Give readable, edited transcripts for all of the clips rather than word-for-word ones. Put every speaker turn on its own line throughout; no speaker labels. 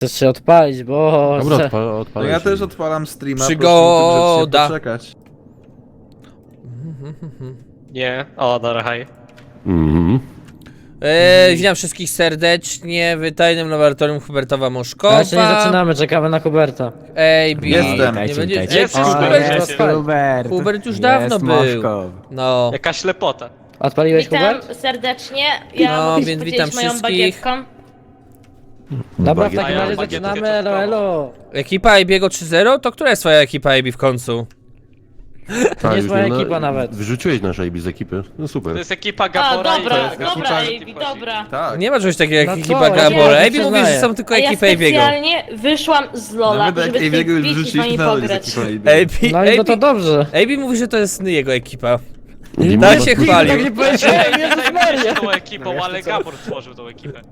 Chcesz się odpalić, bo...
Dobra,
No
odpalaj
ja
się.
też odpalam streama,
Przygoda.
proszę poczekać.
Nie, o, dobra, hej.
Mhm.
Witam wszystkich serdecznie w tajnym laboratorium Hubertowa
Ale
Moszkowa.
jeszcze nie zaczynamy, czekamy na Huberta.
Ej,
Jestem.
Nie będzie...
Jest
Ej,
już
Hubert,
Hubert.
Hubert.
Hubert już dawno był. No.
Jaka ślepota.
Odpaliłeś
Witam
Hubert?
serdecznie. Ja
No,
mogę się
więc
podzielić
witam
moją
wszystkich.
bagietką.
Dobra, w
Bagieta.
takim razie
Bagietkę
zaczynamy,
czekoladowo.
elo.
Ekipa Abiego 3-0? To która jest twoja ekipa AB w końcu?
To nie jest
już
moja
nie-
ekipa nawet.
Wyrzuciłeś nasz AB z ekipy. No
To
super.
jest ekipa
A,
Gabora
dobra,
i to jest
dobra,
ekipa
Ejbi, dobra.
Tak.
Nie ma czegoś takiego jak
No
ekipa
co, ja
Gabora.
nie
AB mówi, że
przyznaję.
są tylko
A ja
ekipy Abiego.
specjalnie wyszłam z Lola,
Nawet jak
żeby
Abiego
sobie
już
wbić i z
wyrzuciliśmy,
wami
nadal jest
pograć.
ekipa Abiego.
No i to dobrze.
AB mówi, że to jest jego ekipa.
Nie
Tak
ma-
się chwalił.
Tak nie powiedziałem, Jezus Maria.
tą ekipą, ale Gabor stworzył tą ekipę.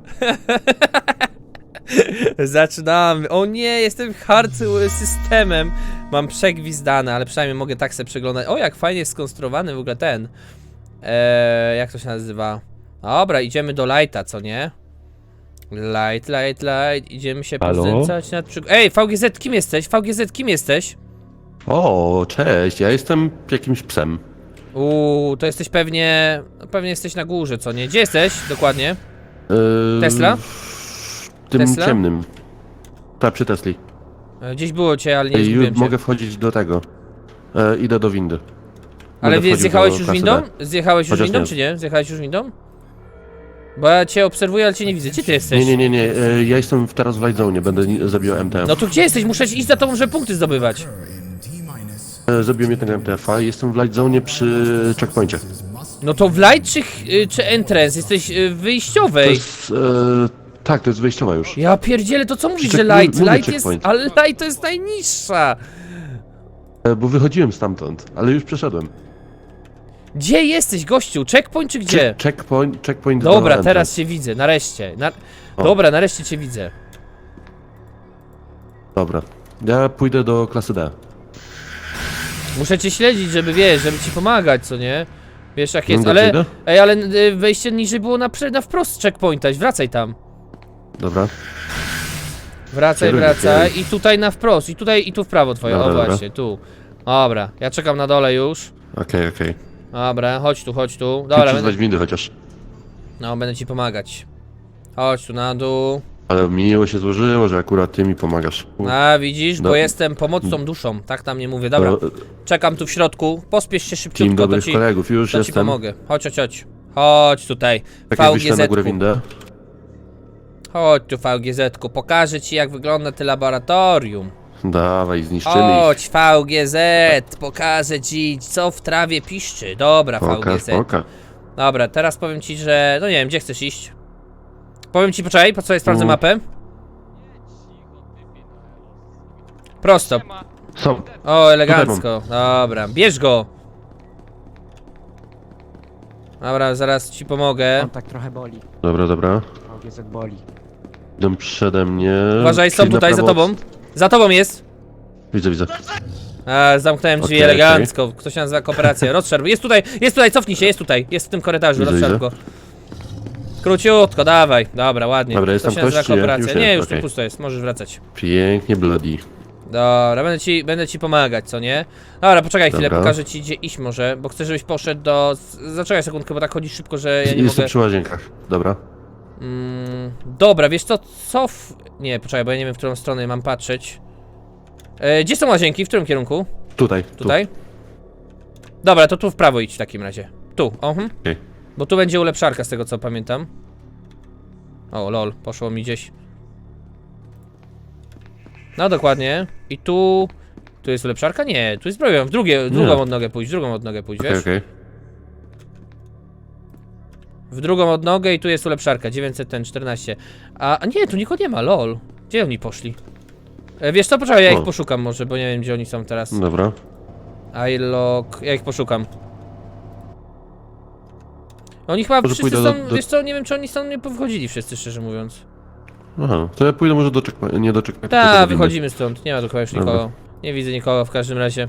Zaczynamy. O nie, jestem hard systemem. Mam przegwizdane, ale przynajmniej mogę tak sobie przeglądać. O, jak fajnie jest skonstruowany w ogóle ten. Jak to się nazywa? Dobra, idziemy do lighta, co nie? Light. Idziemy się
Halo?
poznęcać nad Ej, VGZ, kim jesteś? VGZ, kim jesteś?
O, cześć, ja jestem jakimś psem.
To jesteś pewnie... Pewnie jesteś na górze, co nie? Gdzie jesteś dokładnie? Tesla?
W tym
Tesla?
ciemnym. Tak, przy Tesli.
Gdzieś było cię, ale nie
Już
zgubiłem cię.
mogę wchodzić do tego. Idę do windy.
Ale
Będę wchodził
zjechałeś
do
już
klasy
windą?
D.
Zjechałeś już
Chociaż
windą,
nie.
czy nie? Zjechałeś już windą? Bo ja cię obserwuję, ale cię nie widzę. Gdzie ty jesteś?
Nie. Ja jestem teraz w Light Zone, będę zabijał MTF.
No to gdzie jesteś? Muszę iść za tobą, żeby punkty zdobywać.
Zabiłem jednego MTF-a i jestem w Light Zone przy checkpoincie.
No to w light czy entrance? Jesteś w
To
wyjściowej.
jest... tak, to jest wyjściowa już.
Ja pierdzielę, to co mówisz, że
Check-
light?
mówię
Light jest...
checkpoint.
Ale light to jest najniższa.
Bo wychodziłem stamtąd, ale już przeszedłem.
Gdzie jesteś, gościu? Checkpoint czy gdzie?
Checkpoint do
Dobra,
entrance.
teraz cię widzę, nareszcie.
O.
Dobra, nareszcie cię widzę.
Dobra. Ja pójdę do klasy D.
Muszę cię śledzić, żeby wiesz, żeby ci pomagać, co nie? Wiesz jak jest,
No,
ale...
idę?
Ej, ale wejście niżej było na wprost checkpointa, wracaj tam.
Dobra.
Wracaj,
Kierunek,
wracaj i tutaj na wprost, i tutaj, i tu w prawo twoje,
Dobra,
o
dobra.
właśnie, tu. Dobra, ja czekam na dole już.
Okej.
Dobra, chodź tu. Dobra,
Dobra,
będę,
windy chociaż.
no, będę ci pomagać. Chodź tu na dół.
Ale miło się złożyło, że akurat ty mi pomagasz.
A, widzisz, bo
Do-
jestem pomocną duszą, tak tam nie mówię. Dobra, czekam tu w środku, pospiesz się
Team
szybciutko,
dobrych kolegów, już
to ci
jestem.
pomogę. Chodź. Chodź tutaj,
Tak, wyślę na górę
VGZ-ku.
windę.
Chodź tu, VGZ-ku, pokażę ci jak wygląda to laboratorium.
Dawaj, zniszczymy
Chodź, VGZ, pokażę ci, co w trawie piszczy. Dobra,
ich. Pokaż,
VGZ.
pokaż.
Dobra, teraz powiem ci, że... No nie wiem, gdzie chcesz iść? Powiem ci, poczekaj, po co ja sprawdzę mapę? Prosto.
Są.
O, elegancko. Dobra, bierz go. Dobra, zaraz ci pomogę.
On tak trochę boli.
Dobra.
VGZ boli.
Idą przede mnie.
Uważaj, są
Czyli na
tutaj, za
prawo-
tobą. Za tobą jest.
Widzę.
Zamknąłem drzwi
Okej,
elegancko. Kto się nazywa kooperacja? Rozszerw. Jest tutaj, cofnij się, jest tutaj. Jest w tym korytarzu,
Widzę,
rozszerw go. Króciutko, dawaj. Dobra, ładnie.
Dobra, jest
Kto
tam
się nazywa
ktoś, czy nie?
kooperacja?
Już
Nie,
jest,
już tu
okej.
pusto jest, możesz wracać.
Pięknie, bloody.
Dobra, będę ci pomagać, co nie? Dobra, poczekaj chwilę,
Dobra.
pokażę ci gdzie iść może, bo chcę, żebyś poszedł do... Zaczekaj sekundkę, bo tak chodzi szybko, że ja nie
Jestem
mogę...
przy łazienkach. Dobra.
Dobra, wiesz co, Nie, poczekaj, bo ja nie wiem, w którą stronę mam patrzeć. Gdzie są łazienki? W którym kierunku?
Tutaj.
Tutaj? Dobra, to tu w prawo idź w takim razie. Tu,
Okej.
Bo tu będzie ulepszarka z tego co pamiętam. O, lol, poszło mi gdzieś. No dokładnie. I tu... Tu jest ulepszarka? Nie, tu jest broń. Drugą odnogę pójść, wiesz?
Okej.
W drugą odnogę i tu jest ulepszarka, 914. A nie, tu nikogo nie ma, lol. Gdzie oni poszli? Wiesz co, poczekaj, ja ich
O.
poszukam może, bo nie wiem gdzie oni są teraz.
Dobra.
Ja ich poszukam. Oni chyba
Może
wszyscy
pójdę
są,
do-
wiesz co, nie wiem czy oni są nie powychodzili wszyscy, szczerze mówiąc.
Aha, to ja pójdę może do checkpointu, nie do checkpointu.
Tak,
tylko do windy.
wychodzimy stąd, nie ma tu chyba już
Dobra.
nikogo. Nie widzę nikogo w każdym razie.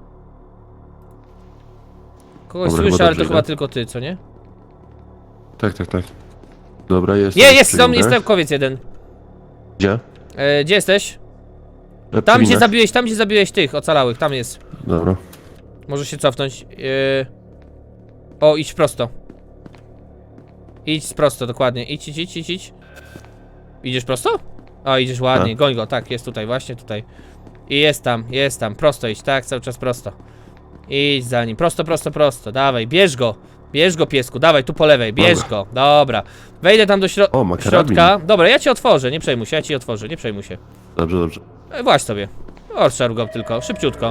Kogoś
Dobra,
słyszę,
chyba
ale to
dobrze
chyba
idę.
tylko ty, co nie?
Tak. Dobra, jest.
Jest naukowiec jeden.
Gdzie?
Gdzie jesteś? Tam gdzie zabiłeś tych ocalałych, tam jest.
Dobra.
Możesz się cofnąć. O, idź prosto. Idź prosto, dokładnie. Idź. Idziesz prosto? O, idziesz ładnie,
Tak.
goń go, tak, jest tutaj, właśnie tutaj. I jest tam, prosto idź, tak, cały czas prosto. Idź za nim, prosto, dawaj, bierz go, piesku, dawaj, tu po lewej, bierz
Dobra.
go, dobra. Wejdę tam do
O, ma karabin.
środka, dobra, ja ci otworzę, nie przejmuj się, nie przejmuj się.
Dobrze.
Właź sobie, orszar go tylko, szybciutko.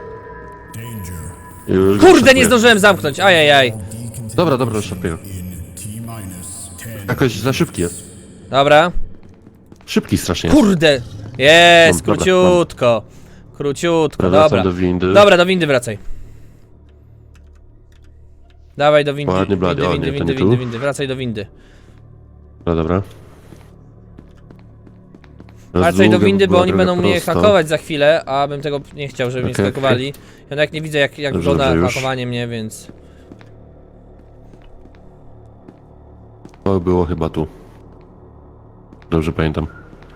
Już
Kurde,
szapuję.
nie zdążyłem zamknąć, ajajaj.
Dobra, szapuję. Jakoś za szybki jest.
Dobra,
Szybki strasznie jest.
kurde, jest,
Dobra,
króciutko,
Wracam
dobra.
do windy.
Dobra, do windy wracaj. Dawaj do windy,
Ładnie, blady. O, nie, to nie tu.
windy, wracaj do windy.
Dobra.
Wracaj do windy, bo
była
oni
droga
będą mnie
prosta.
hakować za chwilę, a bym tego nie chciał, żeby mnie
Okej,
skakowali. Ja nawet nie widzę jak
Dobrze,
wygląda
dobrze, już.
hakowanie mnie, więc...
To było chyba tu. Dobrze pamiętam.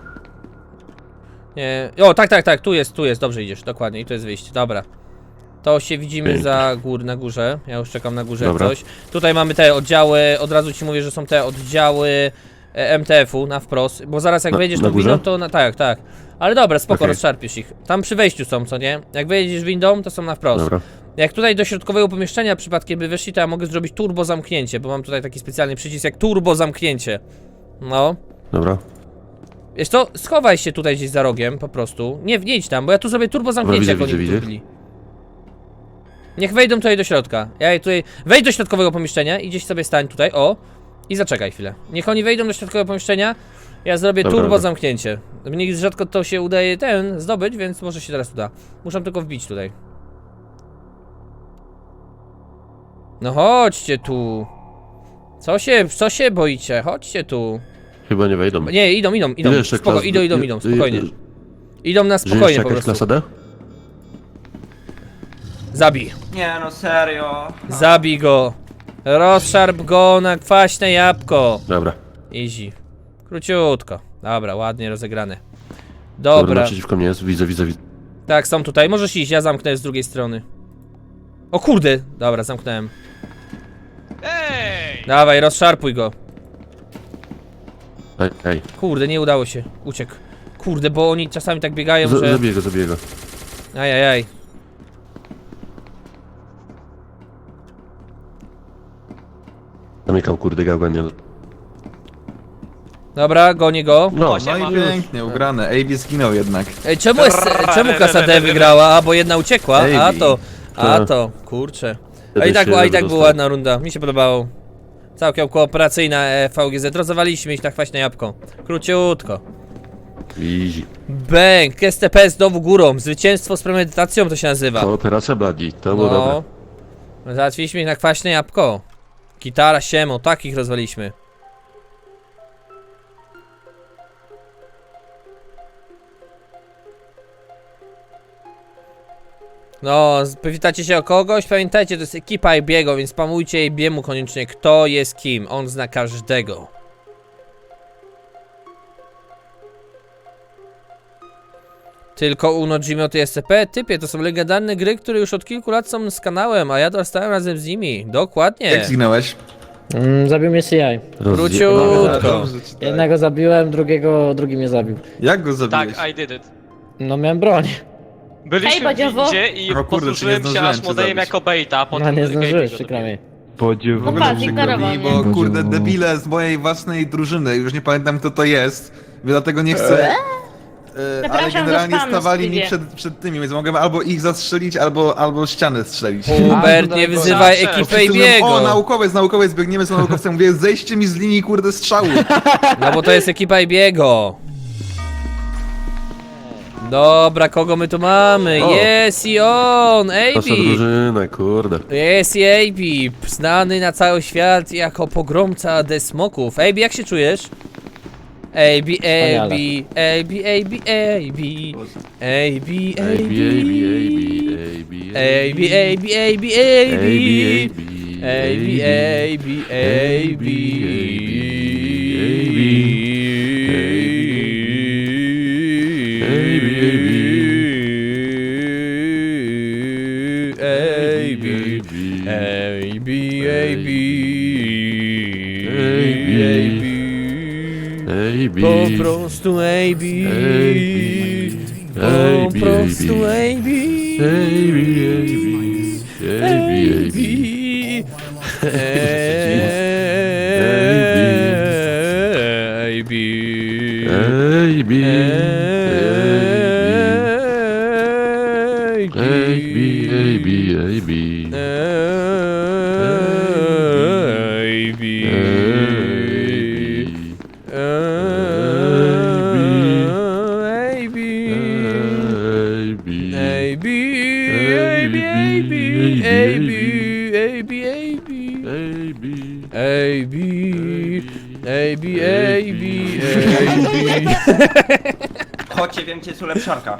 Nie... O, tak, tu jest, dobrze idziesz, dokładnie, i to jest wyjście, dobra. To się widzimy
Pięknie.
na górze, ja już czekam na górze
Dobra.
jak coś. Tutaj mamy te oddziały, od razu ci mówię, że są te oddziały MTF-u na wprost, bo zaraz jak wejdziesz
na
tą
górze?
windą, to tak. Ale dobra, spoko,
Okej.
rozszarpiesz ich. Tam przy wejściu są, co nie? Jak wejdziesz windą, to są na wprost.
Dobra.
Jak tutaj do środkowego pomieszczenia przypadkiem by weszli, to ja mogę zrobić turbo zamknięcie, bo mam tutaj taki specjalny przycisk jak turbo zamknięcie. No.
Dobra.
Wiesz co, schowaj się tutaj gdzieś za rogiem, po prostu. Nie idź tam, bo ja tu zrobię turbo zamknięcie, jak
widzę,
oni
widzę.
byli. Niech wejdą tutaj do środka. Ja tutaj... Wejdź do środkowego pomieszczenia i gdzieś sobie stań tutaj, o. I zaczekaj chwilę. Niech oni wejdą do środkowego pomieszczenia, ja zrobię
Dobra,
turbo
dobra.
zamknięcie. Mnie rzadko to się udaje zdobyć, więc może się teraz uda. Muszę tylko wbić tutaj. No chodźcie tu. Co się boicie? Chodźcie tu.
Chyba nie wejdą.
Nie, idą,
Ile jeszcze
spoko,
klas-
idą, spokojnie. Idą na
Że jeszcze
spokojnie po
jakaś
prostu.
klasa D?
Nie no, serio.
Zabij go. Rozszarp go na kwaśne jabłko.
Dobra.
Easy. Króciutko. Dobra, ładnie rozegrane.
Dobra.
Dobra.
Naprzeciwko mnie jest, widzę.
Tak, są tutaj. Możesz iść, ja zamknę z drugiej strony. O kurde. Dobra, zamknąłem.
Ej!
Dawaj, rozszarpuj go.
Ej.
Kurde, nie udało się. Uciekł. Kurde, bo oni czasami tak biegają, że...
Zabiję go.
Ajajaj.
Zamykam kurde gałgę, nie.
Dobra, gonię go.
No,
Właśnie
No
mam.
i pięknie, ugrane. AB zginął jednak.
Ej, czemu klasa D wygrała? A, bo jedna uciekła? A
Tak.
to, kurczę. A
Wtedy
i tak
się
była
wydostał.
ładna runda, mi się podobało. Całkiem kooperacyjna VGZ, rozwaliliśmy ich na kwaśne jabłko. Króciutko.
Easy.
Bęk, STP znowu górą, zwycięstwo z premedytacją to się nazywa.
Kooperacja Bladi, to było dobre.
Załatwiliśmy ich na kwaśne jabłko. Gitara, siemo, takich rozwaliliśmy. No, pytacie się o kogoś? Pamiętajcie, to jest ekipa Ibiego, więc spamujcie Ibiemu koniecznie, kto jest kim. On zna każdego. Tylko Uno, Gmod i SCP? Typie, to są legendarne gry, które już od kilku lat są z kanałem, a ja dostałem razem z nimi. Dokładnie.
Jak zginąłeś?
Zabił mnie CI.
Króciutko.
Dobrze ci tak.
Jednego zabiłem, drugi mnie zabił.
Jak go zabiłeś?
Tak, I did it.
No miałem broń.
Hej,
Byliśmy w
Badziowo.
windzie i
O kurde,
posłużyłem
czy nie
się
zdążyłem
aż
cię
modelem
zabić.
jako baita, a potem
No nie
Gabe
zdążyłeś,
go
przykro
dobił.
mi.
W ogóle
No patrz,
przykro
ignorował
mi,
mnie.
bo kurde debile z mojej własnej drużyny, już nie pamiętam kto to jest, dlatego nie chcę. Ale
Zapraszam do
generalnie
spanu,
stawali mi
Stevie.
przed tymi, więc mogłem albo ich zastrzelić, albo ścianę strzelić.
Hubert, nie wyzywaj
Wszyscy
ekipy
Wszyscy mówią,
Ibiego.
o, naukowiec, biegniemy z naukowcem, mówię, zejście mi z linii kurde strzału.
No bo to jest ekipa Ibiego. Dobra, kogo my tu mamy?
O.
Jest i on,
Nasza
AB.
drużyna, kurde.
Jest i AB, znany na cały świat jako pogromca desmoków. AB, jak się czujesz? AB, AB, AB, AB, AB, AB, AB, AB, AB, AB, AB, AB, Po prostu AB. Po prostu AB.
Chodźcie, wiem gdzie jest ulepszarka.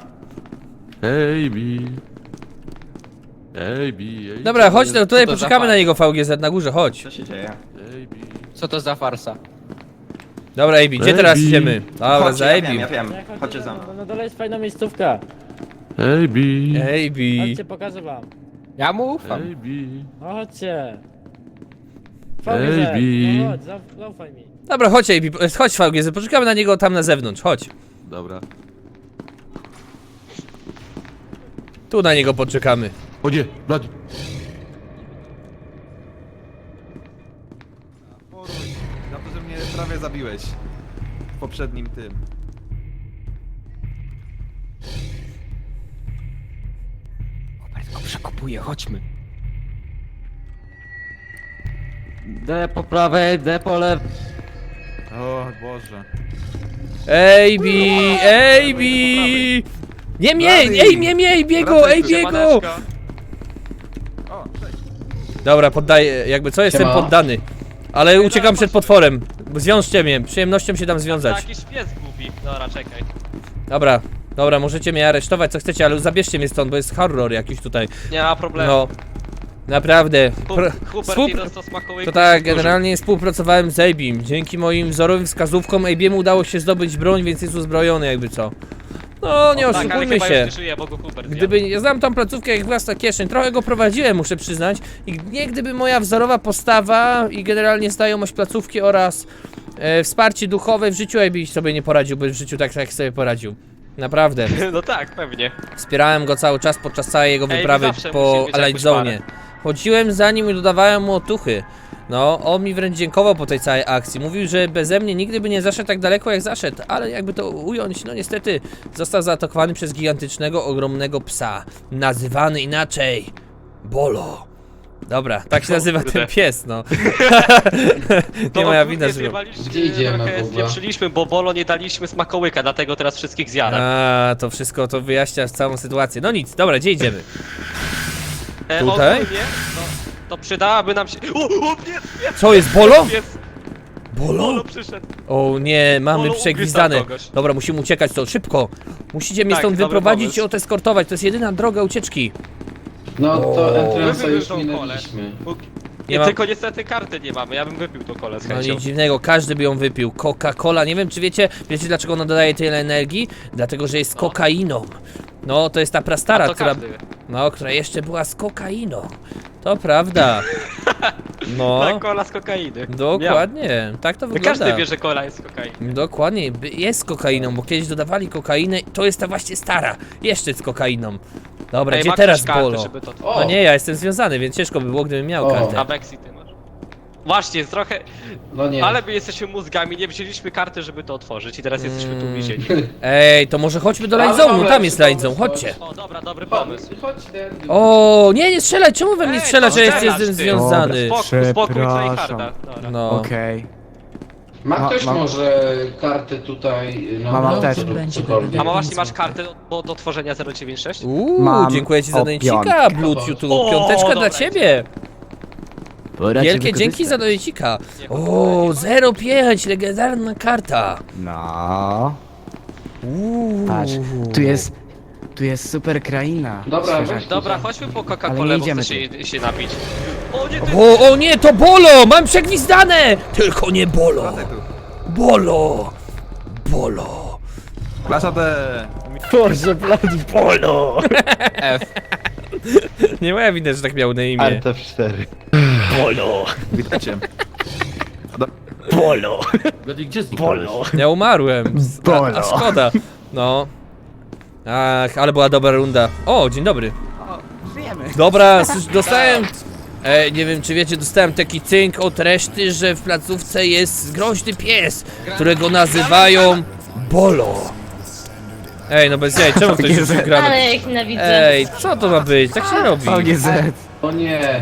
Dobra, chodź tutaj, poczekamy na niego VGZ na górze, chodź.
Co się dzieje?
Co to za farsa?
Dobra, AB, gdzie teraz idziemy? Dobra,
Chodźcie,
za
ja
AB.
wiem, ja wiem.
Jak
Chodźcie za mną.
No dole jest fajna miejscówka.
AB.
Chodźcie, pokażę wam.
Ja mu ufam.
No chodźcie.
Ej, Bi.
No chodź, zaufaj mi.
Dobra, chodź AB, chodź VGZ, poczekamy na niego tam na zewnątrz, chodź.
Dobra.
Tu na niego poczekamy.
O nie, Bladi.
Poruj, za to, że mnie prawie zabiłeś. W poprzednim tym.
Robert go przekopuje, chodźmy.
D po prawej, D po lewej.
O Boże.
AB, AB! Nie mnie, ej, nie, AB'ego, AB'ego!
O, cześć.
Dobra, poddaję, jakby co, jestem poddany. Ale uciekam przed potworem. Zwiążcie mnie, przyjemnością się dam związać.
Jakiś pies głupi. Dobra, czekaj.
Dobra, dobra, możecie mnie aresztować co chcecie, ale zabierzcie mnie stąd, bo jest horror jakiś tutaj.
Nie ma problemu.
No, naprawdę.
Hubert i dostał smakołyku.
To tak, generalnie współpracowałem z Abim. Dzięki moim wzorowym wskazówkom Abiemu udało się zdobyć broń, więc jest uzbrojony jakby co. No, nie
Tak, ale
oszukujmy
chyba
się.
już nie żyje, bo go Hubert
Gdyby, ja znam tą placówkę jak własna kieszeń, trochę go prowadziłem, muszę przyznać. I nie gdyby moja wzorowa postawa i generalnie znajomość placówki oraz wsparcie duchowe w życiu, Abi sobie nie poradziłby w życiu tak jak sobie poradził. Naprawdę.
No tak, pewnie.
Wspierałem go cały czas podczas całej jego
Ej,
wyprawy
zawsze
po
musi mieć
Light
jakąś
Zone. Chodziłem za nim i dodawałem mu otuchy. No, on mi wręcz dziękował po tej całej akcji. Mówił, że beze mnie nigdy by nie zaszedł tak daleko jak zaszedł, ale jakby to ująć, no niestety został zaatakowany przez gigantycznego, ogromnego psa. Nazywany inaczej Bolo. Dobra, tak się nazywa ten pies, no. Nie moja wina, że...
Gdzie idziemy,
Trochę
Buba?
spieprzyliśmy, bo Bolo nie daliśmy smakołyka, dlatego teraz wszystkich zjada.
A, to wszystko to wyjaśnia całą sytuację. No nic, dobra, gdzie idziemy? Tutaj?
Ogólnie, to przydałaby nam się... O, pies!
Co jest, Bolo?
Pies!
Bolo?
Bolo przyszedł.
O nie, mamy
Bolo
przegwizdane.
ugryzł kogoś.
Dobra, musimy uciekać stąd, szybko. Musicie mnie
Tak,
stąd
dobry
wyprowadzić
pomysł.
i odeskortować, to jest jedyna droga ucieczki.
No to entrance'a
Wypił
już
tą
minęliśmy.
Nie mam-
Tylko niestety karty nie mamy, ja bym wypił tą kolę z
No
chęcią.
nic dziwnego, każdy by ją wypił. Coca-Cola, nie wiem czy wiecie dlaczego ona dodaje tyle energii? Dlatego, że jest z kokainą. No, to jest ta prastara,
to
która...
każdy wie.
No, która jeszcze była z kokainą. To prawda. No,
Tak, kola z kokainy.
dokładnie, tak to
Ja.
wygląda.
Każdy wie, że kola jest z kokainy.
Dokładnie, jest z kokainą, bo kiedyś dodawali kokainę, to jest ta właśnie stara, jeszcze z kokainą. Dobra,
Ej,
gdzie
ma
teraz
ktoś karty,
Bolo?
żeby to...
O!
No nie, ja jestem związany, więc ciężko by było, gdybym miał
O.
kartę.
A Bexi ty masz. Właśnie, jest trochę...
No nie.
Ale my jesteśmy mózgami, nie wzięliśmy karty, żeby to otworzyć i teraz jesteśmy tu uwięzieni.
Ej, to może chodźmy do Light Zone'u, tam jest Light Zone, chodźcie.
O, dobra, dobry pomysł.
Chodź, Dandy.
O, nie strzelaj, czemu we mnie
Ej,
strzelasz,
to
że
strzelasz,
jestem
ty.
związany?
Spokój,
Przepraszam.
Tryharda. Dobra.
No,
Okej.
Ma ktoś
mam-
może kartę tutaj? No,
Mam
no,
apteczkę.
cokolwiek.
A ma właśnie masz kartę do tworzenia 096?
Mam
dziękuję ci za
o
donecika,
piątkę.
Bluetooth,
O,
piąteczka
dobra.
dla ciebie. Wielkie dzięki za donecika. O, 05, legendarna karta.
No.
Uuu.
Patrz, tu jest super kraina.
Dobra,
Świeżaki.
weź
Dobra, chodźmy po
Ale
Coca-Colę,
nie
bo
idziemy
chcę się napić. O nie, ty...
O nie, to Bolo! Mam przegwizdane! Tylko nie Bolo!
Wracaj tu.
Bolo! Bolo!
Klasa D.
Boże, blady polo!
F.
Nie moja wina, że tak miał na imię.
Polo!
Witajcie.
Polo!
Blady, gdzie zniknąłeś?
Ja umarłem. A szkoda. No. Ach, ale była dobra runda. O, dzień dobry.
Żyjemy.
Dobra, dostałem... nie wiem czy wiecie, dostałem taki cynk od reszty, że w placówce jest groźny pies, którego nazywają Bolo. Ej, no bez jaj, czemu ktoś rzucił granat?
Ale jak nienawidzę.
Ej, co to ma być? Tak się robi.
VGZ.
O nie.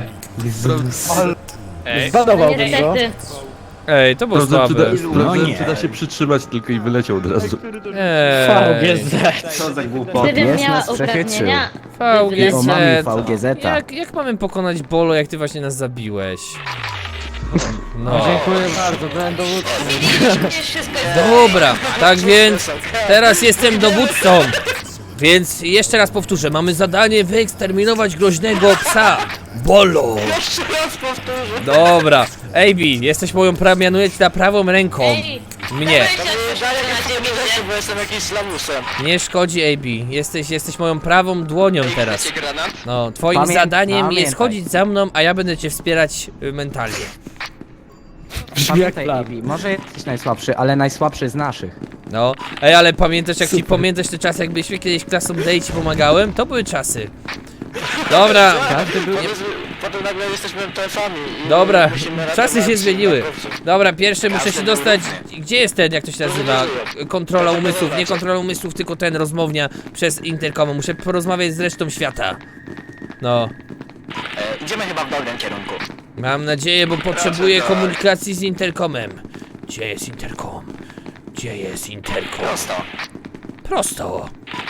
Ej,
Zbanowałbym go.
Niestety.
Ej, to było słabe.
Sprawdzałem,
nie.
czy da się przytrzymać tylko i wyleciał od razu.
Ej,
VGZ.
Co za głupot.
Gdybym
Jest
miała
nas przechytrzył.
uprawnienia...
O
VGZ.
mamy VGZ-a.
Jak mamy pokonać Bolo, jak ty właśnie nas zabiłeś? No.
Dziękuję bardzo, byłem dowódcą.
Dobra, tak więc teraz jestem dowódcą. Więc jeszcze raz powtórzę, mamy zadanie wyeksterminować groźnego psa Bolo. Dobra, AB, jesteś moją mianuję cię na prawą ręką.
Ej,
Mnie.
bo jestem jakimś slamusem.
Nie szkodzi, AB. Jesteś moją prawą dłonią teraz.
Granat?
No, twoim zadaniem jest
pamiętaj.
chodzić za mną, a ja będę cię wspierać mentalnie.
Pamiętaj, Ebi, może jesteś najsłabszy, ale najsłabszy z naszych.
No, ej, ale pamiętasz jak ci pamiętasz te czasy, jak byliśmy kiedyś klasą D i ci pomagałem? To były czasy. Dobra,
Potem nagle jesteśmy TF-ami.
dobra, czasy się zmieniły. Dobra, pierwsze muszę się dostać. Gdzie jest ten, jak to się nazywa? Kontrola umysłów, nie kontrola umysłów, tylko ten rozmownia przez interkom. Muszę porozmawiać z resztą świata. No,
Idziemy chyba w dobrym kierunku.
mam nadzieję, bo potrzebuję komunikacji z interkomem. Gdzie jest interkom? Gdzie jest interkom?
Prosto.
Prosto.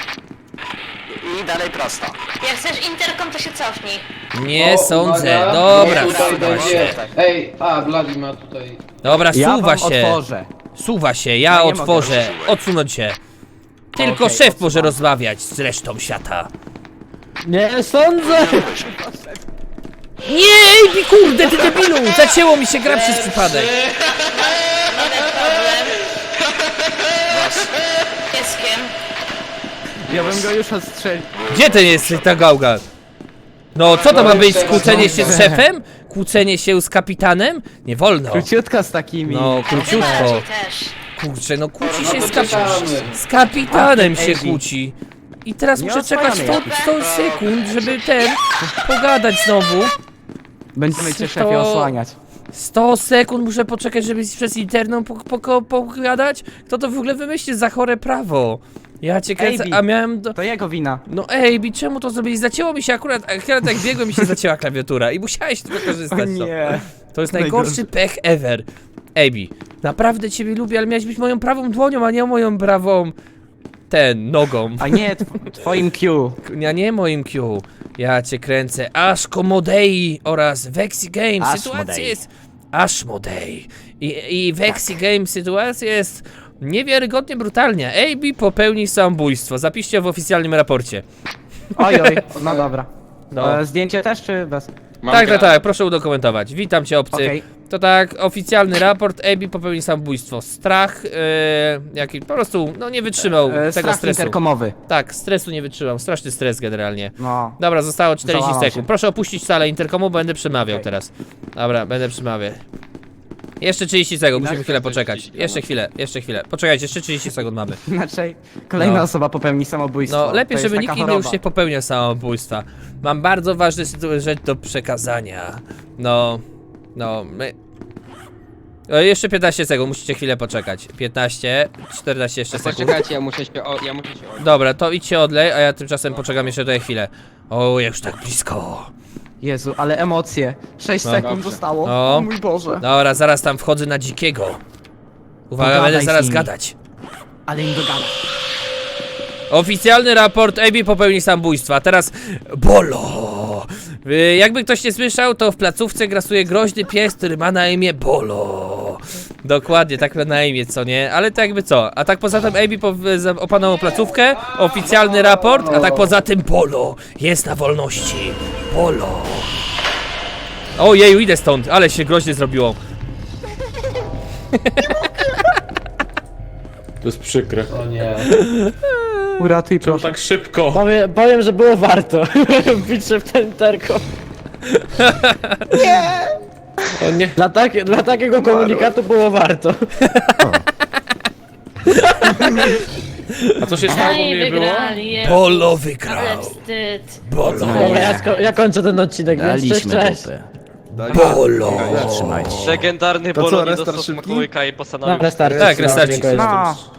I dalej prosto.
jak chcesz interkom, to się cofnij.
Nie
O,
sądzę.
uwaga,
Dobra,
bo tutaj
suwa
będzie.
się.
Ej, Bloody ma tutaj.
Dobra,
Ja
suwa
wam
się.
otworzę.
Suwa się, ja
Ja nie
otworzę. Odsunąć się. Tylko
Okej,
szef może
odsuwam.
rozmawiać z resztą świata.
Nie sądzę!
Nie, Ejbi, kurde, ty debilu! Zacięło mi się gra przez przypadek.
Pieskiem.
Ja bym go już ostrzelił.
Gdzie ten jest ta gałga? No, co to ma być? Kłócenie się z szefem? Kłócenie się z kapitanem? Nie wolno.
Króciutka z takimi.
No, króciutko.
Bardziej też.
Kurczę, no kłóci się
poczekamy.
z kapitanem się
Ejbi.
kłóci. I teraz
Nie
muszę czekać
osłaniamy
100 sekund, żeby pogadać znowu.
Będziemy cię
To-
szefie osłaniać.
100 sekund muszę poczekać, żeby przez internet pogadać? Kto to w ogóle wymyślił za chore prawo? Ja cię kręcę,
Ejbi.
a miałem
To jego wina.
No ej, czemu to zrobili? Zacięło mi się akurat jak biegłem mi się zacięła klawiatura i musiałeś to wykorzystać. To jest najgorszy pech ever. Ejbi, naprawdę ciebie lubię, ale miałeś być moją prawą dłonią, a nie moją prawą... nogą.
A nie, twoim Q.
Ja nie moim Q. Ja cię kręcę. Ashko Modei oraz Vexi Games.
Ashmodei.
Sytuacja jest... Ashmodei. I Vexi Games sytuacja jest niewiarygodnie brutalna. AB popełni samobójstwo. Zapiszcie w oficjalnym raporcie.
Oj, no dobra.
No.
Zdjęcie też czy bez?
Tak, proszę udokumentować. Witam cię, obcy.
Okej.
To tak, oficjalny raport. AB popełnił samobójstwo. Strach, jaki po prostu, no nie wytrzymał tego
Strach
stresu.
interkomowy.
Tak, stresu nie wytrzymał. Straszny stres generalnie.
No.
Dobra, zostało 40
Załamał
sekund.
się.
Proszę opuścić salę interkomu, bo będę przemawiał
Okej.
teraz. Dobra, będę przemawiał. Jeszcze 30 sekund, musimy
Inaczej
chwilę
to
poczekać.
30
jeszcze chwilę. Poczekajcie, jeszcze 30 sekund mamy.
Inaczej kolejna
No.
osoba popełni samobójstwo.
No, lepiej,
To jest
żeby
taka
nikt inny już
choroba.
nie popełniał samobójstwa. Mam bardzo ważną rzecz do przekazania. No, my... jeszcze 15 sekund, musicie chwilę poczekać. 15, 14 jeszcze sekund.
Poczekajcie, ja muszę się
Dobra, to idźcie odlej, a ja tymczasem poczekam jeszcze tutaj chwilę. O, już tak blisko.
Jezu, ale emocje. 6
No,
sekund
dobrze.
zostało.
No.
O mój Boże.
Dobra, zaraz tam wchodzę na dzikiego. Uwaga,
Pogadaj
będę
z
zaraz
nimi.
gadać.
Ale im dogada.
Oficjalny raport, AB popełni samobójstwo, a teraz Bolo. Jakby ktoś nie słyszał, to w placówce grasuje groźny pies, który ma na imię Bolo. Dokładnie, tak ma na imię, co nie? Ale to jakby co? A tak poza tym AB opanował placówkę, oficjalny raport, a tak poza tym Bolo jest na wolności. Bolo. Ojeju, idę stąd, ale się groźnie zrobiło.
To jest przykre.
O nie.
Uratuj
Czemu
proszę.
tak szybko?
Powiem, że było warto. Bić się w ten interkom.
O nie.
Dla takiego komunikatu było warto.
A co się stało, bo
No i
mnie nie było?
wygrali. Jezus.
Polo
Ale
wygrał.
wstyd.
Dobra, ja kończę ten odcinek, więc cześć.
Polo.
Trzymajcie.
Legendarny
To co,
Bolo nie
restart
dostał
szybki?
smakołyka i postanowił...
Dobra, start.
Tak, restarcik.
Dziękuję.
No.